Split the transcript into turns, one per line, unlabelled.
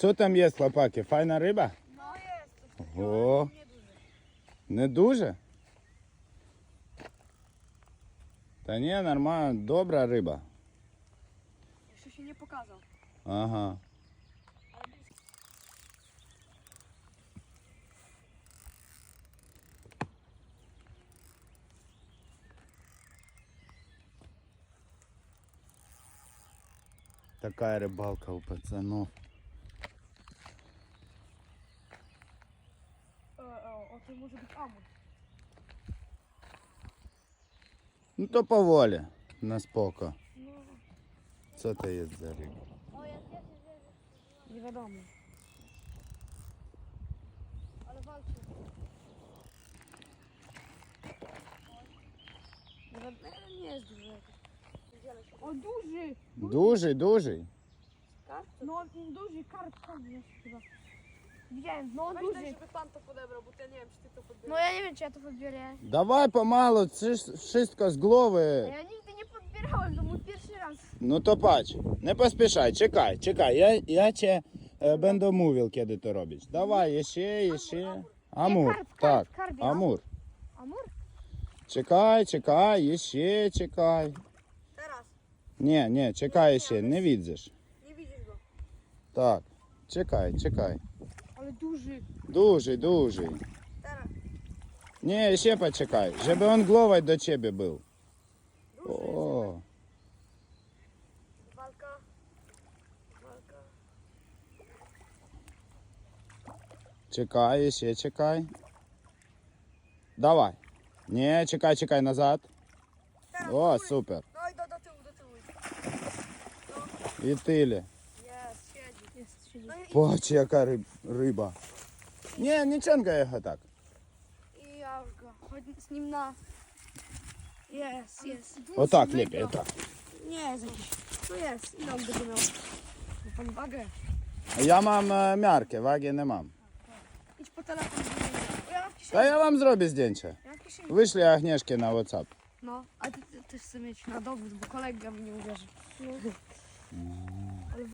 Co tam jest, chłopaki? Fajna ryba?
No jest.
O, nie duże? Та nie, normalna, dobra ryba.
Jeszcze się nie pokazał.
Ага. Такая рыбалка у пацанов.
O, to może być amur.
Ну то поволі, на споко.
No,
Що це є за риба?
nie wiadomo. Ale walczy. Nie jest duży jakiś. O, duży!
Дужий, дужий.
No, duży karp tam jest chyba. Widziałem, no
Weź
duży.
daj, żeby pan to podebrał, bo ja nie wiem, czy ty to podbierzesz.
No ja nie wiem, czy ja to podbiorę.
Давай помалу, це ж wszystko з голови.
Ja nigdy nie podbierałem, to mój pierwszy raz.
Ну то patrz, не поспішай, чекай, чекай, я тебе będę mówił, kiedy to robić. Давай, ще. Амур,
karp,
так,
karp,
амур.
Amur?
Чекай, ще чекай.
Teraz,
Ні, чекай ще, не widzisz.
nie widzisz go.
Так, чекай.
Ale duży.
Дуже.
Teraz.
Ні, ще почекай, щоб він головою до тебе був.
Duży
О,
jest. Walka.
чекай, ще чекай. Давай. Ні, чекай назад.
Teraz.
О,
góry.
супер.
No i do tyłu.
І тилі.
Jest, siedzi.
Jest, siedzi.
No i,
Бач, яка риба. Ні, не чангай його так.
I ja go. Chodź z nim na... Jest.
Отак ліпі, отак.
Nie jest jakiś. Tu jest. Ile on będzie miał? Ma pan wagę?
Я мам мярки, ваги не мам.
Idź po telefon. O, ja mam w kieszeni.
Та я вам зроблю здjęcie.
Ja mam w kieszeni.
Wyślij Agnieszkę na WhatsApp.
No, a ty też chcę mieć na dowód, bo kolega mi nie uwierzy.